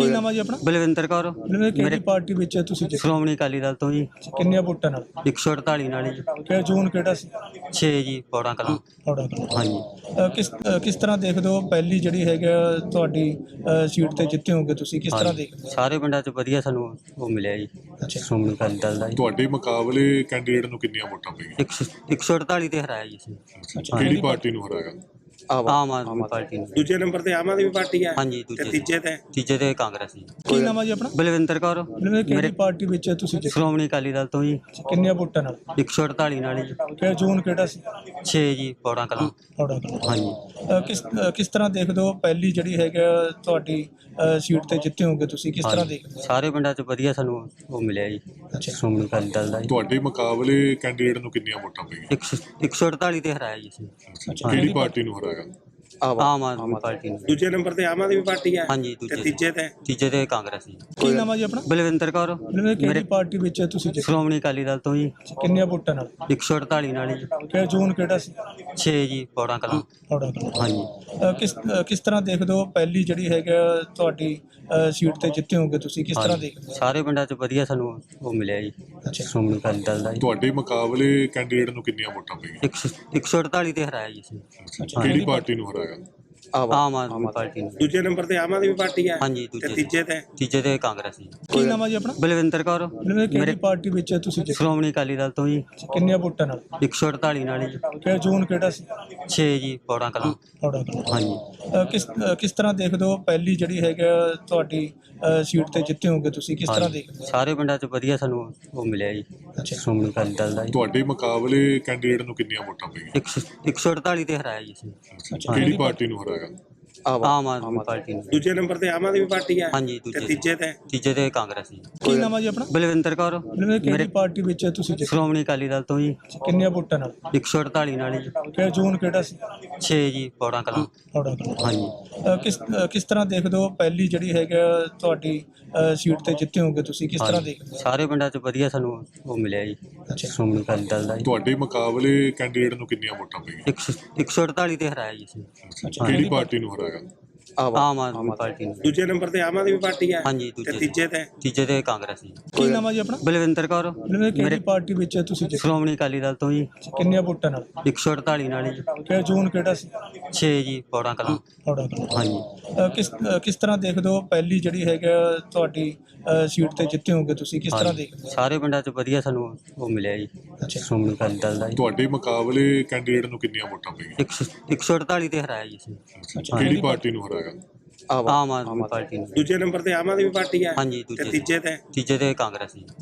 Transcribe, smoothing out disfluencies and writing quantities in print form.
ਕੀ ਨਾਮ ਹੈ ਜੀ ਆਪਣਾ? ਬਲਵਿੰਦਰ ਕੌਰ। ਬਲਵਿੰਦਰ ਕਿਹੜੀ ਪਾਰਟੀ ਵਿੱਚ ਤੁਸੀਂ ਜਿੱਤੇ? ਸ਼੍ਰੋਮਣੀ ਅਕਾਲੀ ਦਲ ਤੋਂ ਜੀ। ਕਿੰਨੀਆਂ ਵੋਟਾਂ ਨਾਲ? 148 ਨਾਲ ਜੀ। ਕਿ ਜੂਨ ਕਿਹੜਾ ਸੀ? 6 ਜੀ ਪੌੜਾਂ ਕਲਾਂ। ਥੋੜਾ ਹਾਂਜੀ। ਕਿਸ ਤਰ੍ਹਾਂ ਦੇਖਦੇ ਹੋ ਪਹਿਲੀ ਜਿਹੜੀ ਹੈਗਾ ਤੁਹਾਡੀ ਸੀਟ ਤੇ ਜਿੱਤੇ ਹੋਗੇ ਤੁਸੀਂ, ਕਿਸ ਤਰ੍ਹਾਂ ਦੇਖਦੇ ਹੋ? ਸਾਰੇ ਪਿੰਡਾਂ 'ਚ ਵਧੀਆ ਸਾਨੂੰ ਉਹ ਮਿਲਿਆ ਜੀ ਅੱਛਾ। ਸ਼੍ਰੋਮਣੀ ਅਕਾਲੀ ਦਲ ਦਾ ਜੀ। ਤੁਹਾਡੇ ਮੁਕਾਬਲੇ ਕੈਂਡੀਡੇਟ ਨੂੰ ਕਿੰਨੀਆਂ ਵੋਟਾਂ ਪਈਆਂ? 148 ਤੇ ਹਰਾਇਆ ਜੀ ਅਸੀਂ। ਅੱਛਾ। ਕਿਹੜੀ ਪਾਰਟੀ ਨੂੰ ਹਰਾਇਆ? ਆਮ ਆਦਮੀ ਪਾਰਟੀ ਨੂੰ। ਦੂਜੇ ਨੰਬਰ ਤੇ ਆਮ ਆਦਮੀ ਪਾਰਟੀ ਹੈ ਹਾਂਜੀ ਤੇ ਦੂਜੇ ਤੀਜੇ ਤੇ ਕਾਂਗਰਸ ਜੀ। ਕੀ ਨਾਮ ਹੈ ਜੀ ਆਪਣਾ? ਬਲਵਿੰਦਰ ਕੌਰ। ਬਲਵਿੰਦਰ ਕਿਹੜੀ ਪਾਰਟੀ ਵਿੱਚ ਤੁਸੀਂ ਜਿੱਤੇ? ਸ਼੍ਰੋਮਣੀ ਅਕਾਲੀ ਦਲ ਤੋਂ ਜੀ। ਕਿੰਨੀਆਂ ਵੋਟਾਂ ਨਾਲ? 148 ਨਾਲ ਜੀ। ਕਿ ਜੂਨ ਕਿਹੜਾ ਸੀ? 6 ਜੀ ਪੌੜਾਂ ਕਲਾਂ। ਥੋੜਾ ਹਾਂਜੀ। ਕਿਸ ਤਰ੍ਹਾਂ ਦੇਖਦੇ ਹੋ ਪਹਿਲੀ ਜਿਹੜੀ ਹੈਗਾ ਤੁਹਾਡੀ ਸੀਟ ਤੇ ਜਿੱਤੇ ਹੋਗੇ ਤੁਸੀਂ, ਕਿਸ ਤਰ੍ਹਾਂ ਦੇਖਦੇ ਹੋ? ਸਾਰੇ ਪਿੰਡਾਂ 'ਚ ਵਧੀਆ ਸਾਨੂੰ ਉਹ ਮਿਲਿਆ ਜੀ ਅੱਛਾ। ਸ਼੍ਰੋਮਣੀ ਅਕਾਲੀ ਦਲ ਦਾ ਜੀ। ਤੁਹਾਡੇ ਮੁਕਾਬਲੇ ਕੈਂਡੀਡੇਟ ਨੂੰ ਕਿੰਨੀਆਂ ਵੋਟਾਂ ਪਈਆਂ? 148 ਤੇ ਹਰਾਇਆ ਜੀ ਅਸੀਂ। ਕਿਹੜੀ ਪਾਰਟੀ ਨੂੰ ਹਰਾਇਆ? ਆਮ ਆਦਮੀ ਪਾਰਟੀ ਨੂੰ। ਦੂਜੇ ਨੰਬਰ ਤੇ ਆਮ ਆਦਮੀ ਪਾਰਟੀ ਹੈ ਹਾਂਜੀ ਤੇ ਤੀਜੇ ਤੇ ਕਾਂਗਰਸ ਜੀ। ਕੀ ਨਾਮ ਹੈ ਜੀ ਆਪਣਾ? ਬਲਵਿੰਦਰ ਕੌਰ। ਬਲਵਿੰਦਰ ਕਿਹੜੀ ਪਾਰਟੀ ਵਿੱਚ ਤੁਸੀਂ ਜਿੱਤੇ? ਸ਼੍ਰੋਮਣੀ ਅਕਾਲੀ ਦਲ ਤੋਂ ਜੀ। ਕਿੰਨੀਆਂ ਵੋਟਾਂ ਨਾਲ? 148 ਨਾਲ ਜੀ। ਕਿ ਜੂਨ ਕਿਹੜਾ ਸੀ? 6 ਜੀ ਪੌੜਾਂ ਕਲਾਂ। ਥੋੜਾ ਹਾਂਜੀ। ਕਿਸ ਤਰ੍ਹਾਂ ਦੇਖਦੇ ਹੋ ਪਹਿਲੀ ਜਿਹੜੀ ਹੈਗਾ ਤੁਹਾਡੀ ਸੀਟ ਤੇ ਜਿੱਤੇ ਹੋਗੇ ਤੁਸੀਂ, ਕਿਸ ਤਰ੍ਹਾਂ ਦੇਖਦੇ ਹੋ? ਸਾਰੇ ਪਿੰਡਾਂ 'ਚ ਵਧੀਆ ਸਾਨੂੰ ਉਹ ਮਿਲਿਆ ਜੀ ਅੱਛਾ। ਸ਼੍ਰੋਮਣੀ ਅਕਾਲੀ ਦਲ ਦਾ ਜੀ। ਤੁਹਾਡੇ ਮੁਕਾਬਲੇ ਕੈਂਡੀਡੇਟ ਨੂੰ ਕਿੰਨੀਆਂ ਵੋਟਾਂ ਪਈਆਂ? 148 ਤੇ ਹਰਾਇਆ ਜੀ ਅਸੀਂ। ਕਿਹੜੀ ਪਾਰਟੀ ਨੂੰ ਹਰਾਇਆ? ਆਮ ਆਦਮੀ ਪਾਰਟੀ ਨੂੰ। ਦੂਜੇ ਨੰਬਰ ਤੇ ਆਮ ਆਦਮੀ ਪਾਰਟੀ ਹੈ ਹਾਂਜੀ ਤੇ ਤੀਜੇ ਤੇ ਕਾਂਗਰਸ ਜੀ। ਕੀ ਨਾਮ ਹੈ ਜੀ ਆਪਣਾ? ਬਲਵਿੰਦਰ ਕੌਰ। ਬਲਵਿੰਦਰ ਕਿਹੜੀ ਪਾਰਟੀ ਵਿੱਚ ਤੁਸੀਂ ਜਿੱਤੇ? ਸ਼੍ਰੋਮਣੀ ਅਕਾਲੀ ਦਲ ਤੋਂ ਜੀ। ਕਿੰਨੀਆਂ ਵੋਟਾਂ ਨਾਲ? 148 ਨਾਲ ਜੀ। ਕਿ ਜੂਨ ਕਿਹੜਾ ਸੀ? 6 ਜੀ ਪੌੜਾਂ ਕਲਾਂ। ਥੋੜਾ ਹਾਂਜੀ। ਕਿਸ ਤਰ੍ਹਾਂ ਦੇਖਦੇ ਹੋ ਪਹਿਲੀ ਜਿਹੜੀ ਹੈਗਾ ਤੁਹਾਡੀ ਸੀਟ ਤੇ ਜਿੱਤੇ ਹੋਗੇ ਤੁਸੀਂ, ਕਿਸ ਤਰ੍ਹਾਂ ਦੇਖਦੇ ਹੋ? ਸਾਰੇ ਪਿੰਡਾਂ 'ਚ ਵਧੀਆ ਸਾਨੂੰ ਉਹ ਮਿਲਿਆ ਜੀ ਅੱਛਾ। ਸ਼੍ਰੋਮਣੀ ਅਕਾਲੀ ਦਲ ਦਾ ਜੀ। ਤੁਹਾਡੇ ਮੁਕਾਬਲੇ ਕੈਂਡੀਡੇਟ ਨੂੰ ਕਿੰਨੀਆਂ ਵੋਟਾਂ ਪਈਆਂ? 148 ਤੇ ਹਰਾਇਆ ਜੀ ਅਸੀਂ। ਕਿਹੜੀ ਪਾਰਟੀ ਨੂੰ ਹਰਾਇਆ? ਆਮ ਆਦਮੀ ਪਾਰਟੀ ਨੂੰ। ਦੂਜੇ ਨੰਬਰ ਤੇ ਆਮ ਆਦਮੀ ਪਾਰਟੀ ਹੈ ਹਾਂਜੀ ਤੇ ਤੀਜੇ ਤੇ ਕਾਂਗਰਸ ਜੀ। ਕੀ ਨਾਮ ਹੈ ਜੀ ਆਪਣਾ? ਬਲਵਿੰਦਰ ਕੌਰ। ਬਲਵਿੰਦਰ ਕਿਹੜੀ ਪਾਰਟੀ ਵਿੱਚ ਤੁਸੀਂ ਜਿੱਤੇ? ਸ਼੍ਰੋਮਣੀ ਅਕਾਲੀ ਦਲ ਤੋਂ ਜੀ। ਕਿੰਨੀਆਂ ਵੋਟਾਂ ਨਾਲ? 148 ਨਾਲ ਜੀ। ਕਿ ਜੂਨ ਕਿਹੜਾ ਸੀ? 6 ਜੀ ਪੌੜਾਂ ਕਲਾਂ। ਥੋੜਾ ਹਾਂਜੀ। ਕਿਸ ਤਰ੍ਹਾਂ ਦੇਖਦੇ ਹੋ ਪਹਿਲੀ ਜਿਹੜੀ ਹੈਗਾ ਤੁਹਾਡੀ ਸੀਟ ਤੇ ਜਿੱਤੇ ਹੋਗੇ ਤੁਸੀਂ, ਕਿਸ ਤਰ੍ਹਾਂ ਦੇਖਦੇ ਹੋ? ਸਾਰੇ ਪਿੰਡਾਂ 'ਚ ਵਧੀਆ ਸਾਨੂੰ ਉਹ ਮਿਲਿਆ ਜੀ ਅੱਛਾ। ਸ਼੍ਰੋਮਣੀ ਅਕਾਲੀ ਦਲ ਦਾ ਜੀ। ਤੁਹਾਡੇ ਮੁਕਾਬਲੇ ਕੈਂਡੀਡੇਟ ਨੂੰ ਕਿੰਨੀਆਂ ਵੋਟਾਂ ਪਈਆਂ? 148 ਤੇ ਹਰਾਇਆ ਜੀ ਅਸੀਂ। ਕਿਹੜੀ ਪਾਰਟੀ ਨੂੰ ਹਰਾਇਆ? ਆਮ ਆਦਮੀ ਪਾਰਟੀ ਨੂੰ। ਦੂਜੇ ਨੰਬਰ ਤੇ ਆਮ ਆਦਮੀ ਪਾਰਟੀ ਹੈ ਹਾਂਜੀ ਤੇ ਤੀਜੇ ਤੇ ਕਾਂਗਰਸ ਜੀ। ਕੀ ਨਾਮ ਹੈ ਜੀ ਆਪਣਾ? ਬਲਵਿੰਦਰ ਕੌਰ। ਬਲਵਿੰਦਰ ਕਿਹੜੀ ਪਾਰਟੀ ਵਿੱਚ ਤੁਸੀਂ ਜਿੱਤੇ? ਸ਼੍ਰੋਮਣੀ ਅਕਾਲੀ ਦਲ ਤੋਂ ਜੀ। ਕਿੰਨੀਆਂ ਵੋਟਾਂ ਨਾਲ? 148 ਨਾਲ ਜੀ। ਕਿ ਜੂਨ ਕਿਹੜਾ ਸੀ? 6 ਜੀ ਪੌੜਾਂ ਕਲਾਂ। ਥੋੜਾ ਹਾਂਜੀ। ਕਿਸ ਤਰ੍ਹਾਂ ਦੇਖਦੇ ਹੋ ਪਹਿਲੀ ਜਿਹੜੀ ਹੈਗਾ ਤੁਹਾਡੀ ਸੀਟ ਤੇ ਜਿੱਤੇ ਹੋਗੇ ਤੁਸੀਂ, ਕਿਸ ਤਰ੍ਹਾਂ ਦੇਖਦੇ ਹੋ? ਸਾਰੇ ਪਿੰਡਾਂ 'ਚ ਵਧੀਆ ਸਾਨੂੰ ਉਹ ਮਿਲਿਆ ਜੀ ਅੱਛਾ। ਸ਼੍ਰੋਮਣੀ ਅਕਾਲੀ ਦਲ ਦਾ ਜੀ। ਤੁਹਾਡੇ ਮੁਕਾਬਲੇ ਕੈਂਡੀਡੇਟ ਨੂੰ ਕਿੰਨੀਆਂ ਵੋਟਾਂ ਪਈਆਂ? 148 ਤੇ ਹਰਾਇਆ ਜੀ ਅਸੀਂ। ਕਿਹੜੀ ਪਾਰਟੀ ਨੂੰ ਹਰਾਇਆ? ਆਮ ਆਦਮੀ ਪਾਰਟੀ ਨੂੰ। ਦੂਜੇ ਨੰਬਰ ਤੇ ਆਮ ਆਦਮੀ ਪਾਰਟੀ ਹੈ ਹਾਂਜੀ ਤੇ ਤੀਜੇ ਤੇ ਕਾਂਗਰਸ ਜੀ।